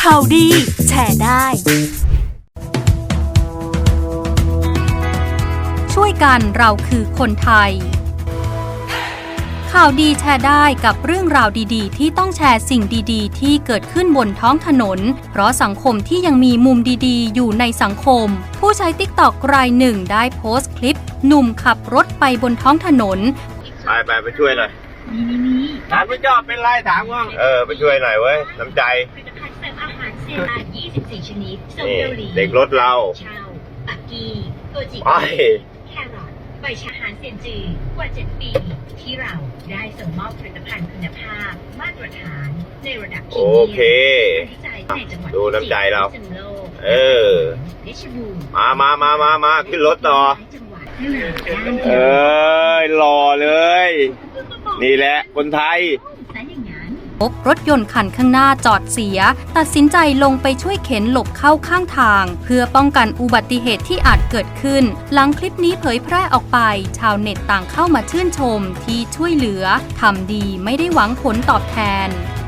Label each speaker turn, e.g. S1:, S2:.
S1: ข่าวดีแชร์ได้ช่วยกันเราคือคนไทยข่าวดีแชร์ได้กับเรื่องราวดีๆที่ต้องแชร์สิ่งดีๆที่เกิดขึ้นบนท้องถนนเพราะสังคมที่ยังมีมุมดีๆอยู่ในสังคมผู้ใช้ TikTok รายหนึ่งได้โพสต์คลิปหนุ่มขับรถไปบนท้องถนน
S2: ไปช่วยหน่อยถามพี่จอบเป็นไรถามว่าไปช่วยหน่อยเว้ยน้ำใจ
S3: 24 ชนิดส้มเกาหลี
S2: เด็กรถเรา
S3: ชาวปักกีตัวจิกแครอทใบชาหารเซียนจือกว่า 7 ปีที่เราได้ส่งมอบผลิตภัณฑ์คุณภาพมาตรฐานในระดับพรีเมียมวิจัยในจังหวัด
S2: ดูน้ำใจเรา
S3: เพชรบูรณ์
S2: มาขึ้นรถต่อหล่อเลยนี่แหละคนไทย
S1: พบรถยนต์คันข้างหน้าจอดเสียตัดสินใจลงไปช่วยเข็นหลบเข้าข้างทางเพื่อป้องกันอุบัติเหตุที่อาจเกิดขึ้นหลังคลิปนี้เผยแพร่ออกไปชาวเน็ตต่างเข้ามาชื่นชมที่ช่วยเหลือทำดีไม่ได้หวังผลตอบแทน